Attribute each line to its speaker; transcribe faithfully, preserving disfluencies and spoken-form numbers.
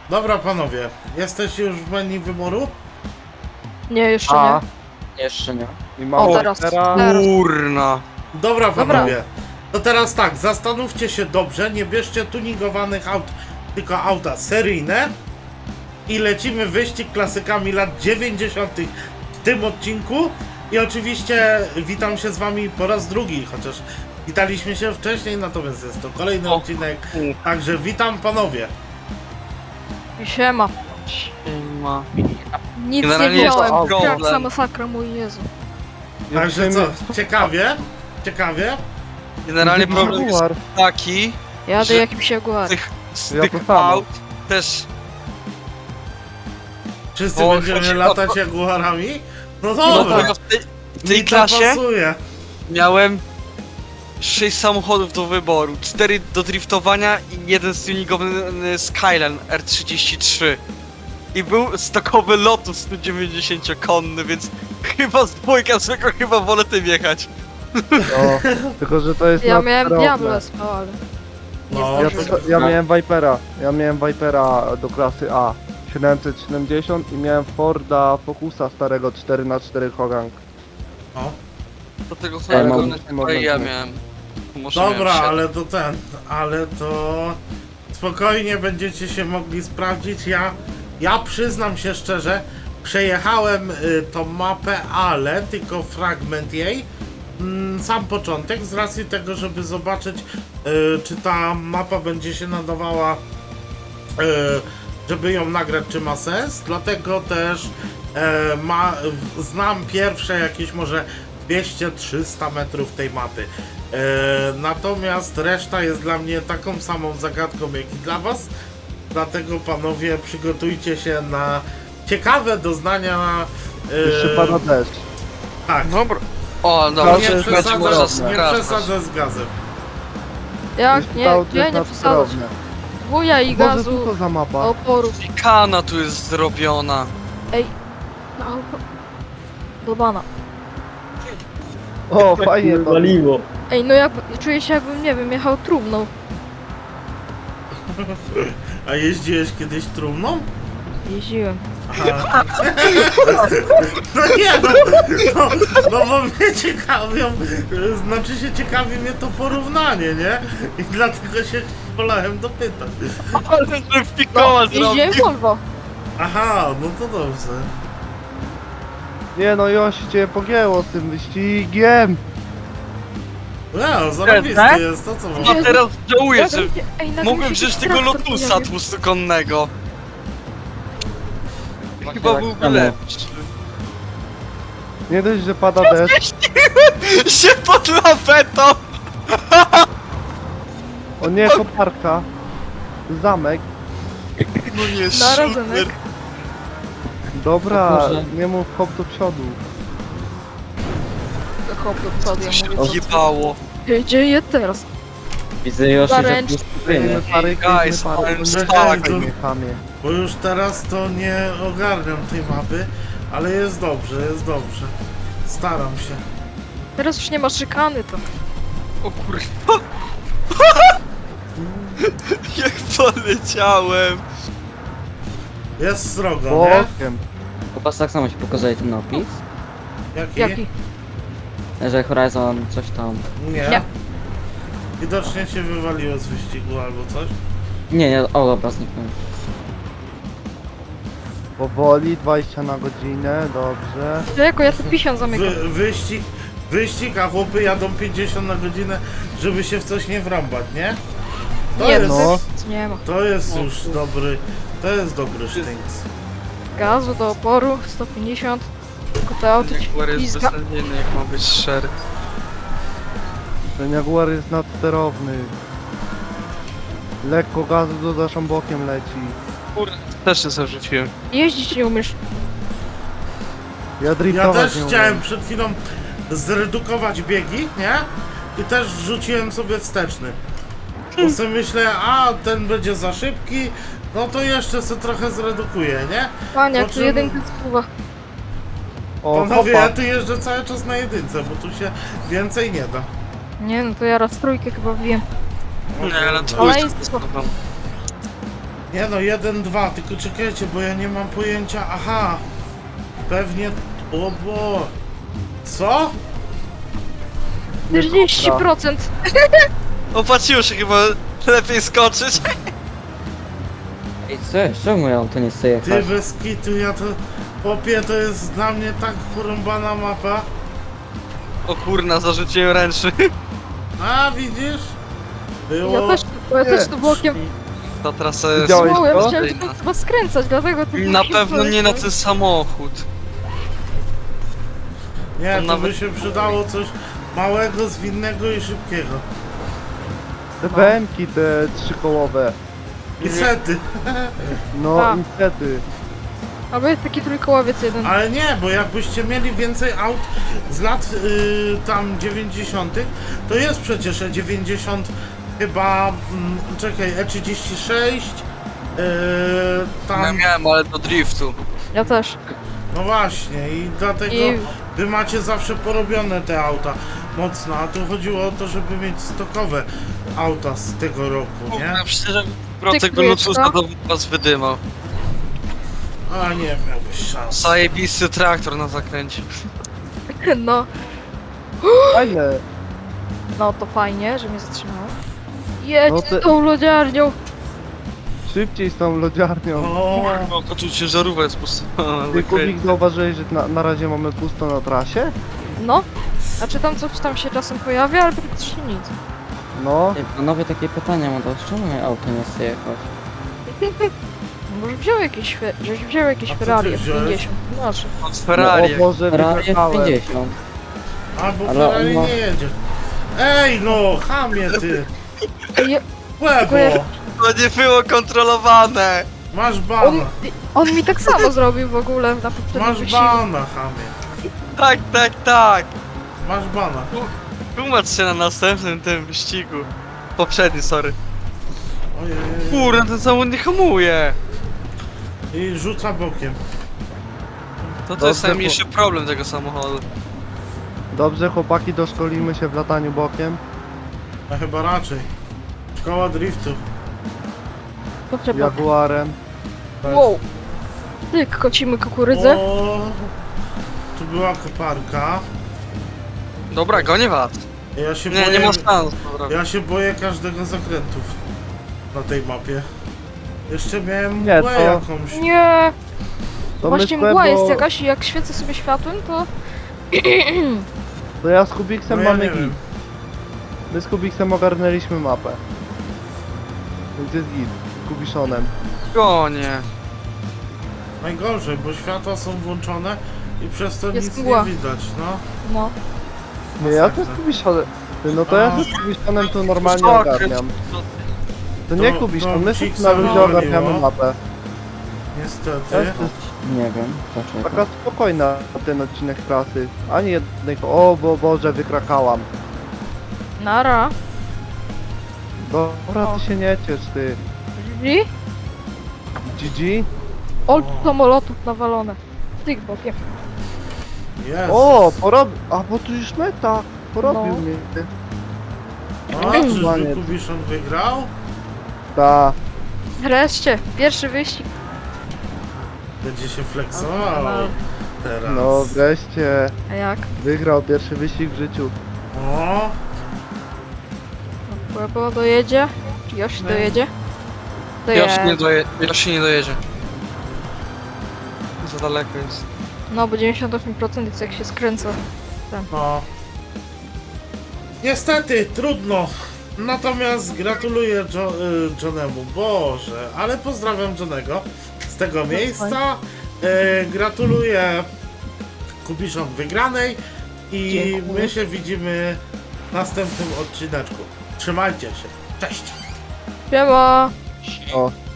Speaker 1: Dobra panowie, jesteście już w menu wyboru?
Speaker 2: Nie, jeszcze
Speaker 3: A,
Speaker 2: nie.
Speaker 3: jeszcze nie.
Speaker 4: I
Speaker 2: O,
Speaker 4: mamy
Speaker 2: teraz.
Speaker 4: teraz...
Speaker 2: teraz.
Speaker 5: Kurna.
Speaker 1: Dobra
Speaker 2: Dobra.
Speaker 1: panowie, to teraz tak, zastanówcie się dobrze, nie bierzcie tuningowanych aut, tylko auta seryjne i lecimy wyścig klasykami lat dziewięćdziesiątych w tym odcinku i oczywiście witam się z wami po raz drugi, chociaż witaliśmy się wcześniej, natomiast jest to kolejny
Speaker 5: O.
Speaker 1: odcinek, także witam panowie.
Speaker 2: Siema.
Speaker 5: Siema.
Speaker 2: Nic
Speaker 5: Generalnie
Speaker 2: nie
Speaker 5: jest
Speaker 2: wziąłem.
Speaker 5: problem.
Speaker 2: Kraksa masakra, mój Jezu.
Speaker 1: Także co, ciekawie, ciekawie,
Speaker 5: Generalnie problem jest
Speaker 4: Jaguar.
Speaker 5: taki,
Speaker 2: Jadę
Speaker 5: Że-
Speaker 2: jakimś Jaguar.
Speaker 5: tych, z
Speaker 4: Ja
Speaker 5: tych
Speaker 4: to samo.
Speaker 5: aut też
Speaker 1: wszyscy
Speaker 5: O,
Speaker 1: będziemy
Speaker 5: chodzi o
Speaker 1: latać
Speaker 5: to-
Speaker 1: Jaguarami? No
Speaker 5: no
Speaker 1: dobra,
Speaker 5: to w tej, w tej
Speaker 1: mi to
Speaker 5: klasie
Speaker 1: pasuje.
Speaker 5: miałem sześć samochodów do wyboru, cztery do driftowania i jeden tuningowany Skyline R trzydzieści trzy. I był stokowy Lotus sto dziewięćdziesięciokonny, więc chyba z dwójką zwykle chyba wolę tym jechać.
Speaker 4: No, tylko że to jest
Speaker 2: Ja miałem
Speaker 4: nadsterowne.
Speaker 2: Diablo S P, ale...
Speaker 1: No,
Speaker 4: Ja,
Speaker 1: to,
Speaker 4: to, ja miałem Vipera. Ja miałem Vipera do klasy A. siedemset siedemdziesiąt i miałem Forda Focusa starego cztery na cztery Hogang.
Speaker 1: o.
Speaker 5: Do tego
Speaker 3: Ja
Speaker 5: samego
Speaker 3: mam-
Speaker 5: chyba i ja miałem. Może
Speaker 1: Dobra,
Speaker 5: miałem siedem.
Speaker 1: ale to ten, ale to spokojnie będziecie się mogli sprawdzić. Ja, ja przyznam się szczerze, przejechałem y, tą mapę, ale tylko fragment jej. Mm, sam początek, z racji tego, żeby zobaczyć, y, czy ta mapa będzie się nadawała, y, żeby ją nagrać, czy ma sens. Dlatego też e, ma, w- znam pierwsze jakieś może dwieście trzysta metrów tej mapy. E, natomiast reszta jest dla mnie taką samą zagadką jak i dla was. Dlatego panowie przygotujcie się na ciekawe doznania.
Speaker 4: Jeszcze
Speaker 1: E,
Speaker 4: pada deszcz.
Speaker 1: tak,
Speaker 5: Dobra. O, dobra,
Speaker 4: To
Speaker 1: nie
Speaker 4: jest
Speaker 5: będzie można
Speaker 1: przesadzę, nie
Speaker 5: skracać.
Speaker 1: przesadzę z gazem.
Speaker 2: Jak?
Speaker 4: Jest
Speaker 2: Nie,
Speaker 4: to auto
Speaker 2: nie,
Speaker 4: jest
Speaker 2: nie przesadzać.
Speaker 4: nadsterowne.
Speaker 2: Wuja i
Speaker 4: Boże, co
Speaker 2: gazu.
Speaker 4: to za mapa?
Speaker 2: Oporu.
Speaker 5: Kana tu jest zrobiona.
Speaker 2: Ej. No. Dobana.
Speaker 4: O, fajnie to.
Speaker 3: Waliło.
Speaker 2: Ej, no ja czuję się jakbym, nie wiem, jechał trumną.
Speaker 1: A jeździłeś kiedyś trumną?
Speaker 2: Jeździłem.
Speaker 1: Aha. No nie no, no, no bo mnie ciekawią, znaczy się ciekawi mnie to porównanie, nie? I dlatego się wolałem dopytać.
Speaker 5: Ale że fikoła
Speaker 2: Jeździłem
Speaker 5: zrobił.
Speaker 2: Volvo.
Speaker 1: Aha, no to dobrze.
Speaker 4: Nie no, Josi cię pogięło z tym wyścigiem.
Speaker 1: No, zarobisty
Speaker 5: Tak?
Speaker 1: jest, to co
Speaker 5: A
Speaker 1: mówię.
Speaker 5: teraz żałuję, że
Speaker 2: Ej, nagle
Speaker 5: mogłem
Speaker 2: się
Speaker 5: wziąć
Speaker 2: jakiś
Speaker 5: tego
Speaker 2: traktor
Speaker 5: Lotusa
Speaker 2: pojawił.
Speaker 5: dwustokonnego. Chyba
Speaker 3: tak
Speaker 5: byłby
Speaker 3: samo.
Speaker 5: lepszy.
Speaker 4: Nie dość, że pada deszcz.
Speaker 5: Się pod lawetą!
Speaker 4: O nie, koparka. Zamek.
Speaker 5: No nie,
Speaker 2: Narodzenek.
Speaker 5: super.
Speaker 4: Dobra,
Speaker 3: O Boże.
Speaker 4: nie mów hop do przodu.
Speaker 2: Hop do przodu,
Speaker 5: To
Speaker 2: ja
Speaker 5: się
Speaker 2: mówię.
Speaker 5: odjebało.
Speaker 2: Ej, gdzie je teraz?
Speaker 3: Widzę już, że
Speaker 2: Zaręcz-
Speaker 3: tu spokojnie.
Speaker 4: Klejmy pary,
Speaker 5: Guys,
Speaker 4: klejmy pary.
Speaker 5: I'm
Speaker 4: Nie
Speaker 5: stuck.
Speaker 4: chamie, nie chamie.
Speaker 1: Bo już teraz to nie ogarniam tej mapy, ale jest dobrze, jest dobrze. Staram się.
Speaker 2: Teraz już nie ma szykany to.
Speaker 5: O kurwa. Jak poleciałem.
Speaker 1: Jest srogo, nie?
Speaker 4: Bokiem.
Speaker 3: Popatrz, tak samo ci pokazuje ten opis,
Speaker 1: Jaki?
Speaker 2: Jaki?
Speaker 3: że Horizon coś tam...
Speaker 1: Nie.
Speaker 2: Nie.
Speaker 1: Widocznie się wywaliło z wyścigu albo coś.
Speaker 3: Nie, nie, o dobra, zniknął.
Speaker 4: Powoli, dwadzieścia na godzinę, dobrze.
Speaker 2: Jako ja tu pisian zamykam.
Speaker 1: Wy, wyścig, wyścig, a chłopy jadą pięćdziesiąt na godzinę, żeby się w coś nie wrąbać, nie? To
Speaker 2: Nie,
Speaker 1: jest,
Speaker 4: no.
Speaker 2: to nie ma.
Speaker 1: to jest już dobry, to jest dobry sztynks.
Speaker 2: Gazu do oporu, sto pięćdziesiąt. Tylko to auto ci
Speaker 5: Jaguar jest
Speaker 2: pizga.
Speaker 5: beznadziejny, jak ma być szczery.
Speaker 4: Ten Jaguar jest nadsterowny. Lekko gazu do naszą bokiem leci.
Speaker 5: Kurde, też się zarzuciłem.
Speaker 2: Jeździć nie umiesz.
Speaker 4: Ja
Speaker 1: Ja
Speaker 4: driftować
Speaker 1: też
Speaker 4: nie
Speaker 1: chciałem
Speaker 4: umiem.
Speaker 1: przed chwilą zredukować biegi, nie? I też wrzuciłem sobie wsteczny. Bo sobie myślę, a ten będzie za szybki, no to jeszcze sobie trochę zredukuję, nie?
Speaker 2: Panie, jak
Speaker 1: Po
Speaker 2: tu
Speaker 1: czym-
Speaker 2: jedynka spływa.
Speaker 4: O,
Speaker 1: Panowie,
Speaker 4: hopa.
Speaker 1: ja tu jeżdżę cały czas na jedynce, bo tu się więcej nie da.
Speaker 2: Nie no, to ja raz trójkę chyba wiem.
Speaker 5: Nie, ale to
Speaker 2: Ale
Speaker 5: jest...
Speaker 2: jest spoko.
Speaker 1: Nie Nie no, jeden, dwa, tylko czekajcie, bo ja nie mam pojęcia. Aha, pewnie. O bo. Co?
Speaker 2: czterdzieści procent.
Speaker 5: Opatrzyło się chyba lepiej skoczyć.
Speaker 3: Ej, co jest? Czemu moje auto nie chce
Speaker 1: Ty
Speaker 3: jechać?
Speaker 1: bez kitu, ja to. Popie, to jest dla mnie tak porąbana mapa.
Speaker 5: O kurna, zarzuciłem ręczny.
Speaker 1: A widzisz? Było.
Speaker 2: Ja też, bo ja też tu bokiem
Speaker 5: Ta trasa jest...
Speaker 4: Widziałeś
Speaker 2: małem,
Speaker 4: to?
Speaker 2: chciałem tylko chyba skręcać, dlatego tu
Speaker 5: Na
Speaker 2: bokiem
Speaker 5: pewno nie na
Speaker 2: poleciałem.
Speaker 5: ten samochód.
Speaker 1: Nie,
Speaker 5: To
Speaker 1: to
Speaker 5: nawet-
Speaker 1: by się przydało coś małego, zwinnego i szybkiego.
Speaker 4: Te B M ki, te trzykołowe.
Speaker 1: I sety.
Speaker 4: No,
Speaker 2: A.
Speaker 4: niestety.
Speaker 2: Albo jest taki trójkołowiec jeden.
Speaker 1: Ale nie, bo jakbyście mieli więcej aut z lat y, tam dziewięćdziesiątych, to jest przecież E dziewięćdziesiąt chyba, mm, czekaj, E trzydzieści sześć, y,
Speaker 5: Ja
Speaker 1: tam,
Speaker 5: miałem, ale do driftu.
Speaker 2: Ja też.
Speaker 1: no właśnie i dlatego
Speaker 2: I
Speaker 1: wy macie zawsze porobione te auta mocno, a tu chodziło o to, żeby mieć stokowe auta z tego roku, nie?
Speaker 5: Kurna, przecież procek
Speaker 2: Ty krujesz,
Speaker 5: Bluetootha
Speaker 2: co?
Speaker 5: to was wydymał.
Speaker 1: A nie miałbyś szans.
Speaker 5: Zajebisty traktor na zakręcie.
Speaker 2: no,
Speaker 4: Fajne.
Speaker 2: no to fajnie, że mnie zatrzymało. Jedź
Speaker 4: No
Speaker 2: z
Speaker 4: te-
Speaker 2: tą lodziarnią.
Speaker 4: Szybciej z tą lodziarnią.
Speaker 1: O,
Speaker 5: No to tu ciężarówka jest postawiona na
Speaker 4: Ty, Kubik,
Speaker 5: zakręcie.
Speaker 4: zauważyłeś, że na, na razie mamy pusto na trasie?
Speaker 2: No. A czy tam coś tam się czasem pojawia, ale praktycznie nic.
Speaker 4: No.
Speaker 3: Ej, panowie, takie pytanie mam, to czemu moje auto nie chce jechać?
Speaker 2: Może wziął jakieś, fe- żeś wziął jakieś
Speaker 1: A co ty
Speaker 2: Ferrari F
Speaker 1: wziąłeś?
Speaker 2: pięćdziesiąt. Znaczy.
Speaker 5: Od Ferrari.
Speaker 4: No, o Boże,
Speaker 3: Ferrari
Speaker 4: wygrałem.
Speaker 3: pięćdziesiąt.
Speaker 1: a bo
Speaker 3: Ale
Speaker 1: Ferrari
Speaker 3: on ma-
Speaker 1: nie jedzie. Ej no, chamie ty,
Speaker 2: Je,
Speaker 1: łebo,
Speaker 5: To nie było kontrolowane.
Speaker 1: masz
Speaker 2: on,
Speaker 1: bana.
Speaker 2: on mi tak samo zrobił w ogóle na poprzednim
Speaker 1: Masz
Speaker 2: wyścigu.
Speaker 1: bana, chamie.
Speaker 5: Tak, tak, tak.
Speaker 1: Masz bana.
Speaker 5: Tłumacz się na następnym tym wyścigu. Poprzedni, sorry.
Speaker 1: Ojej.
Speaker 5: Kurna, ten samochód nie hamuje.
Speaker 1: I rzuca bokiem.
Speaker 5: To to jest
Speaker 4: Dobrze,
Speaker 5: najmniejszy problem tego samochodu.
Speaker 4: Dobrze, chłopaki, doszkolimy się w lataniu bokiem.
Speaker 1: A chyba raczej. Szkoła driftu.
Speaker 2: To trzeba.
Speaker 4: Jaguarem.
Speaker 2: Wow. Ty, kocimy kukurydzę.
Speaker 1: O, tu była koparka.
Speaker 5: Dobra, gonię was.
Speaker 1: Ja się
Speaker 5: Nie,
Speaker 1: boję,
Speaker 5: nie ma szans. Dobra.
Speaker 1: ja się boję każdego zakrętu na tej mapie. Jeszcze miałem
Speaker 4: Nie,
Speaker 1: mgłę
Speaker 4: to-
Speaker 1: jakąś.
Speaker 2: Nie.
Speaker 4: To
Speaker 2: Właśnie
Speaker 4: my z
Speaker 2: mgła jest
Speaker 4: Quebo-
Speaker 2: jakaś i jak świecę sobie światłem, to...
Speaker 4: To ja z Kubiksem
Speaker 1: No ja
Speaker 4: mamy
Speaker 1: nie
Speaker 4: git.
Speaker 1: wiem.
Speaker 4: My z Kubiksem ogarnęliśmy mapę. Więc jest git. Z Kubiszonem.
Speaker 5: Gonię.
Speaker 1: Najgorzej, bo światła są włączone i przez to
Speaker 2: Jest
Speaker 1: nic
Speaker 2: mgła.
Speaker 1: nie widać, no.
Speaker 2: No.
Speaker 4: Nie, ja też z Kubiszonem. Ty, no to ja też z Kubiszonem to normalnie
Speaker 5: Zakręt.
Speaker 4: ogarniam. To nie
Speaker 1: To-
Speaker 4: Kubiszon,
Speaker 1: to
Speaker 4: my
Speaker 1: Psik
Speaker 4: wszyscy na ludzie
Speaker 1: zawaliło.
Speaker 4: ogarniamy mapę. Ja
Speaker 1: Niestety.
Speaker 4: też
Speaker 3: Nie wiem, dlaczego.
Speaker 4: taka spokojna ten odcinek trasy. Ani jednej... O, bo Boże, wykrakałam.
Speaker 2: Nara.
Speaker 4: Dobra, ty się nie ciesz, ty.
Speaker 2: Drzwi.
Speaker 4: G G?
Speaker 2: Ol samolotów nawalone. Tyk bokiem.
Speaker 1: Jest.
Speaker 4: O, porobił. A, bo tu już meta. Porobił
Speaker 2: No.
Speaker 4: mnie.
Speaker 1: A, czyżby
Speaker 4: Koniec.
Speaker 1: Kubiszon wygrał?
Speaker 4: Ta.
Speaker 2: Wreszcie, pierwszy wyścig.
Speaker 1: Będzie się flexował
Speaker 2: No.
Speaker 1: teraz.
Speaker 4: No wreszcie.
Speaker 2: A jak?
Speaker 4: Wygrał pierwszy wyścig w życiu.
Speaker 1: O,
Speaker 2: Płebo dojedzie? Czy Yoshi
Speaker 1: Nie.
Speaker 2: dojedzie?
Speaker 5: Ja się nie,
Speaker 2: Dojedzie.
Speaker 5: doje... ja się nie dojedzie. Za daleko jest.
Speaker 2: No, bo dziewięćdziesiąt osiem procent jest jak się skręca.
Speaker 1: no. Niestety, trudno. Natomiast gratuluję jo y, Johnemu. Boże, ale pozdrawiam Johnego z tego miejsca. Y, gratuluję Kubiszon wygranej i
Speaker 2: Dziękuję.
Speaker 1: my się widzimy w następnym odcineczku. Trzymajcie się. Cześć!
Speaker 2: Siema!
Speaker 4: O,